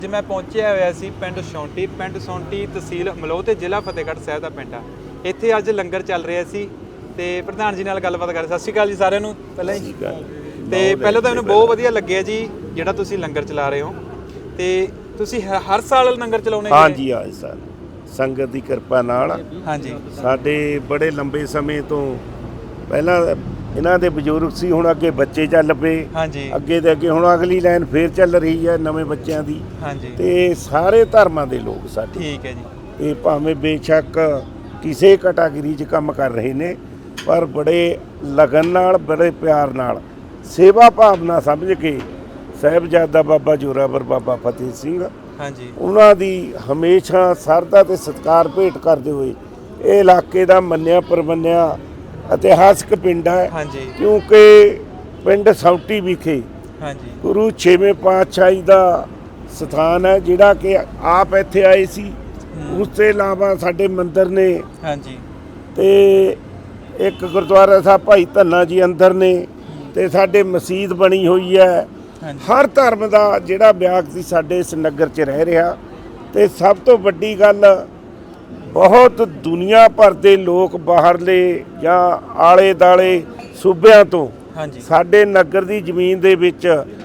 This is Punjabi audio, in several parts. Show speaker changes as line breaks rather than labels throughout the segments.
ਅੱਜ मैं पहुंचा होया सी पिंड सौंटी तहसील मलोह ते ਜ਼ਿਲ੍ਹਾ ਫਤਿਹਗੜ੍ਹ ਸਾਹਿਬ ਦਾ ਪਿੰਡ ਆ। ਇੱਥੇ ਅੱਜ ਲੰਗਰ ਚੱਲ ਰਿਹਾ ਸੀ ਤੇ ਪ੍ਰਧਾਨ ਜੀ ਨਾਲ ਗੱਲਬਾਤ ਕਰ। ਸਤਿ ਸ਼੍ਰੀ ਅਕਾਲ ਜੀ ਸਾਰਿਆਂ ਨੂੰ। ਪਹਿਲਾਂ ਹੀ ਤੇ ਪਹਿਲਾਂ ਤਾਂ ਮੈਨੂੰ ਬਹੁਤ ਵਧੀਆ ਲੱਗਿਆ ਜੀ ਜਿਹੜਾ ਤੁਸੀਂ ਲੰਗਰ ਚਲਾ ਰਹੇ ਹੋ ਤੇ ਤੁਸੀਂ ਹਰ ਸਾਲ ਲੰਗਰ ਚਲਾਉਣੇ ਜੀ?
ਹਾਂਜੀ ਹਾਂ ਸਰ, ਸੰਗਤ ਦੀ ਕਿਰਪਾ ਨਾਲ।
ਹਾਂਜੀ,
ਸਾਡੇ ਬੜੇ ਲੰਬੇ ਸਮੇਂ ਤੋਂ ਪਹਿਲਾਂ ਇਹਨਾਂ ਦੇ ਬਜ਼ੁਰਗ ਸੀ, ਹੁਣ ਅੱਗੇ ਬੱਚੇ ਚੱਲ ਪਏ।
ਹਾਂਜੀ,
ਅੱਗੇ ਤੇ ਅੱਗੇ ਹੁਣ ਅਗਲੀ ਲਾਈਨ ਫੇਰ ਚੱਲ ਰਹੀ ਹੈ ਨਵੇਂ ਬੱਚਿਆਂ ਦੀ।
ਹਾਂਜੀ,
ਤੇ ਸਾਰੇ ਧਰਮਾਂ ਦੇ ਲੋਕ ਸਾਡੇ,
ਠੀਕ ਹੈ ਜੀ।
ਇਹ ਭਾਵੇਂ ਬੇਸ਼ੱਕ ਕਿਸੇ ਕੈਟਾਗਰੀ 'ਚ ਕੰਮ ਕਰ ਰਹੇ ਨੇ, ਪਰ ਬੜੇ ਲਗਨ ਨਾਲ, ਬੜੇ ਪਿਆਰ ਨਾਲ, ਸੇਵਾ ਭਾਵਨਾ ਸਮਝ ਕੇ ਸਾਹਿਬਜ਼ਾਦਾ ਬਾਬਾ ਜ਼ੋਰਾਵਰ ਬਾਬਾ ਫਤਿਹ ਸਿੰਘ,
ਹਾਂਜੀ,
ਉਹਨਾਂ ਦੀ ਹਮੇਸ਼ਾ ਸਰਧਾ ਤੇ ਸਤਿਕਾਰ ਭੇਟ ਕਰਦੇ ਹੋਏ ਇਹ ਇਲਾਕੇ ਦਾ ਮੰਨਿਆ ਪ੍ਰਮੰਨਿਆ ਇਤਿਹਾਸਕ ਪਿੰਡ ਹੈ।
ਹਾਂਜੀ,
ਕਿਉਂਕਿ ਪਿੰਡ ਸੌਂਟੀ ਵਿਖੇ
ਹਾਂਜੀ,
ਗੁਰੂ 6ਵੇਂ ਪਾਤਸ਼ਾਹੀ ਦਾ ਸਥਾਨ ਹੈ, ਜਿਹੜਾ ਕਿ ਆਪ ਇੱਥੇ ਆਏ ਸੀ। ਉਸ ਤੋਂ ਇਲਾਵਾ ਸਾਡੇ ਮੰਦਿਰ ਨੇ,
ਹਾਂਜੀ,
ਤੇ ਇੱਕ ਗੁਰਦੁਆਰਾ ਸਾਹਿਬ ਭਾਈ ਧੰਨਾ ਜੀ ਅੰਦਰ ਨੇ, ਤੇ ਸਾਡੇ ਮਸਜਿਦ ਬਣੀ ਹੋਈ ਹੈ। ਹਰ ਧਰਮ ਦਾ ਜਿਹੜਾ ਵਿਅਕਤੀ ਸਾਡੇ ਇਸ ਨਗਰ 'ਚ ਰਹਿ ਰਿਹਾ। ਤੇ ਸਭ ਤੋਂ ਵੱਡੀ ਗੱਲ, ਬਹੁਤ ਦੁਨੀਆ ਭਰ ਦੇ ਲੋਕ ਬਾਹਰਲੇ ਜਾਂ ਆਲੇ ਦਾਲੇ ਸੂਬਿਆਂ ਤੋਂ
ਹਾਂਜੀ,
ਸਾਡੇ ਨਗਰ ਦੀ ਜ਼ਮੀਨ ਦੇ ਵਿੱਚ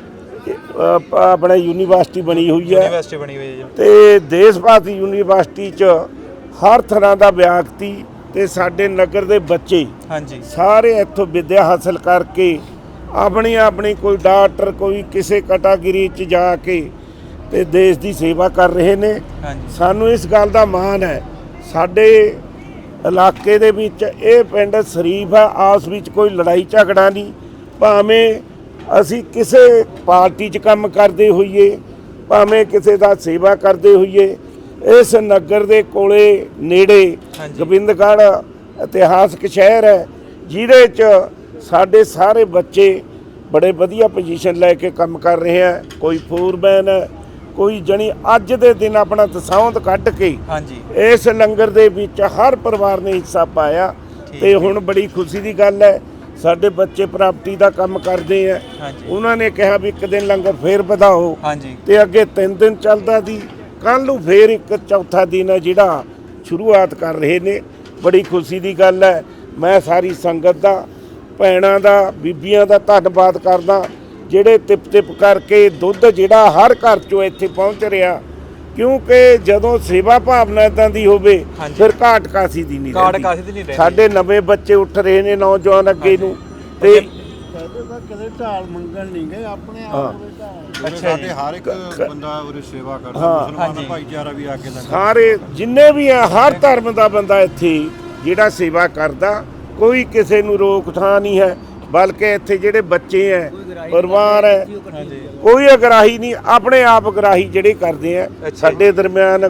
ਆਪਣਾ ਯੂਨੀਵਰਸਿਟੀ ਬਣੀ ਹੋਈ ਹੈ।
ਯੂਨੀਵਰਸਿਟੀ ਬਣੀ ਹੋਈ ਹੈ ਜੀ।
ਤੇ ਦੇਸ਼ ਭਾਰਤੀ ਯੂਨੀਵਰਸਿਟੀ 'ਚ ਹਰ ਤਰ੍ਹਾਂ ਦਾ ਵਿਅਕਤੀ ਤੇ ਸਾਡੇ ਨਗਰ ਦੇ ਬੱਚੇ,
ਹਾਂਜੀ,
ਸਾਰੇ ਇੱਥੋਂ ਵਿੱਦਿਆ ਹਾਸਲ ਕਰਕੇ ਆਪਣੀ ਆਪਣੀ, ਕੋਈ ਡਾਕਟਰ, ਕੋਈ ਕਿਸੇ ਕੈਟਾਗਰੀ 'ਚ ਜਾ ਕੇ ਤੇ ਦੇਸ਼ ਦੀ ਸੇਵਾ ਕਰ ਰਹੇ ਨੇ।
ਹਾਂਜੀ,
ਸਾਨੂੰ ਇਸ ਗੱਲ ਦਾ ਮਾਣ ਹੈ। ਸਾਡੇ ਇਲਾਕੇ ਦੇ ਵਿੱਚ ਇਹ ਪਿੰਡ ਸ਼ਰੀਫ ਹੈ, ਆਪਸ ਵਿੱਚ ਕੋਈ ਲੜਾਈ ਝਗੜਾ ਨਹੀਂ। ਭਾਵੇਂ ਅਸੀਂ ਕਿਸੇ ਪਾਰਟੀ 'ਚ ਕੰਮ ਕਰਦੇ ਹੋਈਏ, ਭਾਵੇਂ ਕਿਸੇ ਦਾ ਸੇਵਾ ਕਰਦੇ ਹੋਈਏ, ਇਸ ਨਗਰ ਦੇ ਕੋਲੇ ਨੇੜੇ ਗੋਬਿੰਦਗੜ੍ਹ ਇਤਿਹਾਸਕ ਸ਼ਹਿਰ ਹੈ, ਜਿਹਦੇ 'ਚ ਸਾਡੇ ਸਾਰੇ ਬੱਚੇ ਬੜੇ ਵਧੀਆ ਪੋਜੀਸ਼ਨ ਲੈ ਕੇ ਕੰਮ ਕਰ ਰਹੇ ਹੈ। ਕੋਈ ਫੋਰਮੈਨ ਹੈ, ਕੋਈ ਜਣੀ ਅੱਜ ਦੇ ਦਿਨ ਆਪਣਾ ਦਸਾਉਂਦ ਕੱਢ ਕੇ
ਹਾਂਜੀ,
ਇਸ ਲੰਗਰ ਦੇ ਵਿੱਚ ਹਰ ਪਰਿਵਾਰ ਨੇ ਹਿੱਸਾ ਪਾਇਆ। ਤੇ ਹੁਣ ਬੜੀ ਖੁਸ਼ੀ ਦੀ ਗੱਲ ਹੈ, ਸਾਡੇ ਬੱਚੇ ਪ੍ਰਾਪਰਟੀ ਦਾ ਕੰਮ ਕਰਦੇ ਆ। ਉਹਨਾਂ ਨੇ ਕਿਹਾ ਵੀ ਇੱਕ ਦਿਨ ਲੰਗਰ ਫੇਰ ਵਧਾਓ, ਤੇ ਅੱਗੇ 3 ਦਿਨ ਚੱਲਦਾ ਸੀ, ਕੱਲ ਨੂੰ ਫੇਰ ਇੱਕ ਚੌਥਾ ਦਿਨ ਹੈ ਜਿਹੜਾ ਸ਼ੁਰੂਆਤ ਕਰ ਰਹੇ ਨੇ। ਬੜੀ ਖੁਸ਼ੀ ਦੀ ਗੱਲ ਹੈ। ਮੈਂ ਸਾਰੀ ਸੰਗਤ ਦਾ, ਭੈਣਾਂ ਦਾ, ਬੀਬੀਆਂ ਦਾ ਧੰਨਵਾਦ ਕਰਦਾ, ਜਿਹੜੇ ਤਿਪ ਕਰਕੇ ਦੁੱਧ ਜਿਹੜਾ ਹਰ ਘਰ 'ਚੋਂ ਇੱਥੇ ਪਹੁੰਚ ਰਿਹਾ। ਕਿਉਂਕਿ ਜਦੋਂ ਸੇਵਾ ਭਾਵਨਾ ਇੱਦਾਂ ਦੀ ਹੋਵੇ, ਫਿਰ ਘਾਟ ਕਾਸੀ ਦੀ ਨਹੀਂ ਰਹਿੰਦੀ। ਸਾਡੇ ਨਵੇਂ ਬੱਚੇ ਉੱਠ ਰਹੇ ਨੇ, ਨੌਜਵਾਨ ਅੱਗੇ ਨੂੰ, ਤੇ
ਕਦੇ ਢਾਲ ਮੰਗਣ ਨਹੀਂ ਗਏ, ਆਪਣੇ ਆਪ।
ਅੱਛਾ,
ਸਾਡੇ ਹਰ ਇੱਕ ਬੰਦਾ ਉਰੇ ਸੇਵਾ ਕਰਦਾ, ਮੁਸਲਮਾਨ ਭਾਈਚਾਰਾ ਵੀ ਆ ਕੇ
ਸਾਰੇ ਜਿੰਨੇ ਵੀ ਆ, ਹਰ ਧਰਮ ਦਾ ਬੰਦਾ ਇੱਥੇ ਜਿਹੜਾ ਸੇਵਾ ਕਰਦਾ। ਕੋਈ ਕਿਸੇ ਨੂੰ ਰੋਕ ਥਾਂ ਨਹੀਂ ਹੈ, ਬਲਕਿ ਇੱਥੇ ਜਿਹੜੇ ਬੱਚੇ ਹੈ, ਪਰਿਵਾਰ ਹੈ, ਕੋਈ ਅਗਰਾਹੀ ਨਹੀਂ, ਆਪਣੇ ਆਪ ਅਗਰਾਹੀ ਜਿਹੜੇ ਕਰਦੇ ਆ। ਸਾਡੇ ਦਰਮਿਆਨ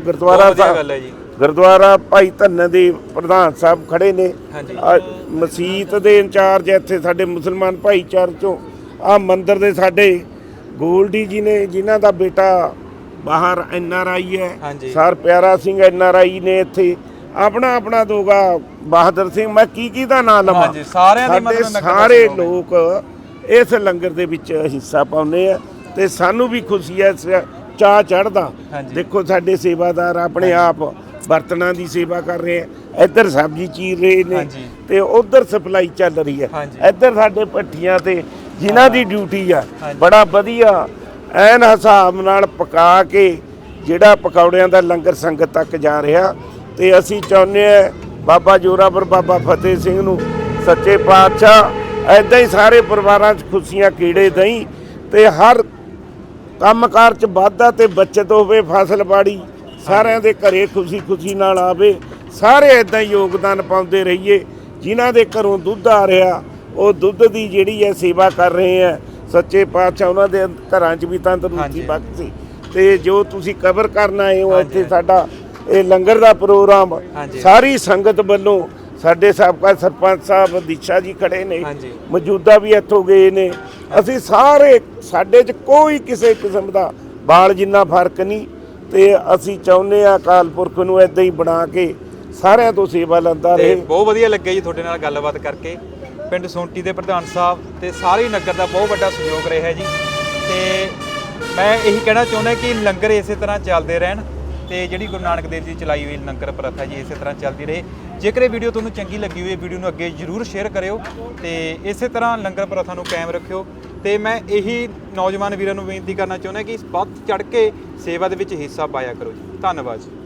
ਗੁਰਦੁਆਰਾ ਭਾਈ ਧੰਨੇ ਦੇ ਪ੍ਰਧਾਨ ਸਾਹਿਬ ਖੜੇ ਨੇ, ਮਸੀਤ ਦੇ ਇੰਚਾਰਜ ਇੱਥੇ ਸਾਡੇ ਮੁਸਲਮਾਨ ਭਾਈਚਾਰੇ ਚੋਂ। ਆਹ ਮੰਦਿਰ ਦੇ ਸਾਡੇ ਗੋਲਡੀ ਜੀ ਨੇ, ਜਿਨ੍ਹਾਂ ਦਾ ਬੇਟਾ ਬਾਹਰ NRI ਹੈ, ਸਰ ਪਿਆਰਾ ਸਿੰਘ NRI ਨੇ ਇੱਥੇ। ਆਪਣਾ ਦੋਗਾ ਬਹਾਦਰ ਸਿੰਘ, ਮੈਂ ਕੀ ਦਾ ਨਾਂ ਲਵਾਂ। ਸਾਡੇ ਸਾਰੇ ਲੋਕ ਇਸ ਲੰਗਰ ਦੇ ਵਿੱਚ ਹਿੱਸਾ ਪਾਉਂਦੇ ਆ, ਤੇ ਸਾਨੂੰ ਵੀ ਖੁਸ਼ੀ ਹੈ, ਚਾਅ ਚੜ੍ਹਦਾ। ਦੇਖੋ ਸਾਡੇ ਸੇਵਾਦਾਰ ਆਪਣੇ ਆਪ ਬਰਤਨਾਂ ਦੀ ਸੇਵਾ ਕਰ ਰਹੇ ਆ, ਇੱਧਰ ਸਬਜ਼ੀ ਚੀਰ ਰਹੇ ਨੇ, ਤੇ ਉਧਰ ਸਪਲਾਈ ਚੱਲ ਰਹੀ ਹੈ। ਇੱਧਰ ਸਾਡੇ ਭੱਠੀਆਂ ਤੇ ਜਿਨ੍ਹਾਂ ਦੀ ਡਿਊਟੀ ਆ, ਬੜਾ ਵਧੀਆ ਐਨ ਹਿਸਾਬ ਨਾਲ ਪਕਾ ਕੇ ਜਿਹੜਾ ਪਕੌੜਿਆਂ ਦਾ ਲੰਗਰ ਸੰਗਤ ਤੱਕ ਜਾ ਰਿਹਾ। ਤੇ ਅਸੀਂ ਚਾਹੁੰਦੇ ਹਾਂ ਬਾਬਾ ਜ਼ੋਰਾਵਰ ਬਾਬਾ ਫਤਿਹ ਸਿੰਘ ਨੂੰ ਸੱਚੇ ਪਾਤਸ਼ਾਹ ਇੱਦਾਂ ਹੀ ਸਾਰੇ ਪਰਿਵਾਰਾਂ 'ਚ ਖੁਸ਼ੀਆਂ ਕੀੜੇ ਦਈ, ਤੇ ਹਰ ਕੰਮਕਾਰ 'ਚ ਵਾਧਾ ਤੇ ਬੱਚਤ ਹੋਵੇ, ਫਸਲਬਾੜੀ ਸਾਰਿਆਂ ਦੇ ਘਰੇ ਖੁਸ਼ੀ ਨਾਲ ਆਵੇ। ਸਾਰੇ ਇੱਦਾਂ ਹੀ ਯੋਗਦਾਨ ਪਾਉਂਦੇ ਰਹੀਏ। ਜਿਨ੍ਹਾਂ ਦੇ ਘਰੋਂ ਦੁੱਧ ਆ ਰਿਹਾ, ਉਹ ਦੁੱਧ ਦੀ ਜਿਹੜੀ ਹੈ ਸੇਵਾ ਕਰ ਰਹੇ ਹੈ। ਸੱਚੇ ਪਾਤਸ਼ਾਹ ਉਹਨਾਂ ਦੇ ਘਰਾਂ 'ਚ ਵੀ ਤੰਦਰੁਸਤੀ ਬਖਸ਼ੇ। ਤੇ ਜੋ ਤੁਸੀਂ ਕਵਰ ਕਰਨ ਆਏ ਹੋ ਇੱਥੇ, ਸਾਡਾ ਇਹ ਲੰਗਰ ਦਾ ਪ੍ਰੋਗਰਾਮ ਸਾਰੀ ਸੰਗਤ ਵੱਲੋਂ, ਸਾਡੇ ਸਾਬਕਾ ਸਰਪੰਚ ਸਾਹਿਬ ਦੀਸ਼ਾ ਜੀ ਖੜੇ ਨੇ, ਮੌਜੂਦਾ ਵੀ ਇੱਥੋਂ ਗਏ ਨੇ। ਅਸੀਂ ਸਾਰੇ, ਸਾਡੇ 'ਚ ਕੋਈ ਕਿਸੇ ਕਿਸਮ ਦਾ ਬਾਲ ਜਿੰਨਾ ਫਰਕ ਨਹੀਂ। ਤੇ ਅਸੀਂ ਚਾਹੁੰਦੇ ਹਾਂ ਅਕਾਲ ਪੁਰਖ ਨੂੰ ਇੱਦਾਂ ਹੀ ਬਣਾ ਕੇ ਸਾਰਿਆਂ ਤੋਂ ਸੇਵਾ ਲੈਂਦਾ ਰਹੇ।
ਬਹੁਤ ਵਧੀਆ ਲੱਗਿਆ ਜੀ ਤੁਹਾਡੇ ਨਾਲ ਗੱਲਬਾਤ ਕਰਕੇ। ਪਿੰਡ ਸੌਂਟੀ ਦੇ ਪ੍ਰਧਾਨ ਸਾਹਿਬ ਤੇ ਸਾਰੇ ਨਗਰ ਦਾ ਬਹੁਤ ਵੱਡਾ ਸਹਿਯੋਗ ਰਿਹਾ ਜੀ। ਤੇ ਮੈਂ ਇਹੀ ਕਹਿਣਾ ਚਾਹੁੰਦਾ ਕਿ ਲੰਗਰ ਇਸੇ ਤਰ੍ਹਾਂ ਚੱਲਦੇ ਰਹਿਣ ਤੇ ਜਿਹੜੀ ਗੁਰੂ ਨਾਨਕ ਦੇਵ ਜੀ ਦੀ ਚਲਾਈ ਹੋਈ ਲੰਗਰ ਪ੍ਰਥਾ ਜੀ ਇਸੇ ਤਰ੍ਹਾਂ ਚੱਲਦੀ ਰਹੇ। ਜੇਕਰ ਇਹ ਵੀਡੀਓ ਤੁਹਾਨੂੰ ਚੰਗੀ ਲੱਗੀ ਹੋਈ ਵੀਡੀਓ ਨੂੰ ਅੱਗੇ ਜ਼ਰੂਰ ਸ਼ੇਅਰ ਕਰਿਓ ਤੇ ਇਸੇ ਤਰ੍ਹਾਂ ਲੰਗਰ ਪ੍ਰਥਾ ਨੂੰ ਕਾਇਮ ਰੱਖਿਓ। ਤੇ ਮੈਂ ਇਹੀ ਨੌਜਵਾਨ ਵੀਰਾਂ ਨੂੰ ਬੇਨਤੀ ਕਰਨਾ ਚਾਹੁੰਦਾ ਕਿ ਵੱਧ ਚੜ੍ਹ ਕੇ ਸੇਵਾ ਦੇ ਵਿੱਚ ਹਿੱਸਾ ਪਾਇਆ ਕਰੋ ਜੀ। ਧੰਨਵਾਦ ਜੀ।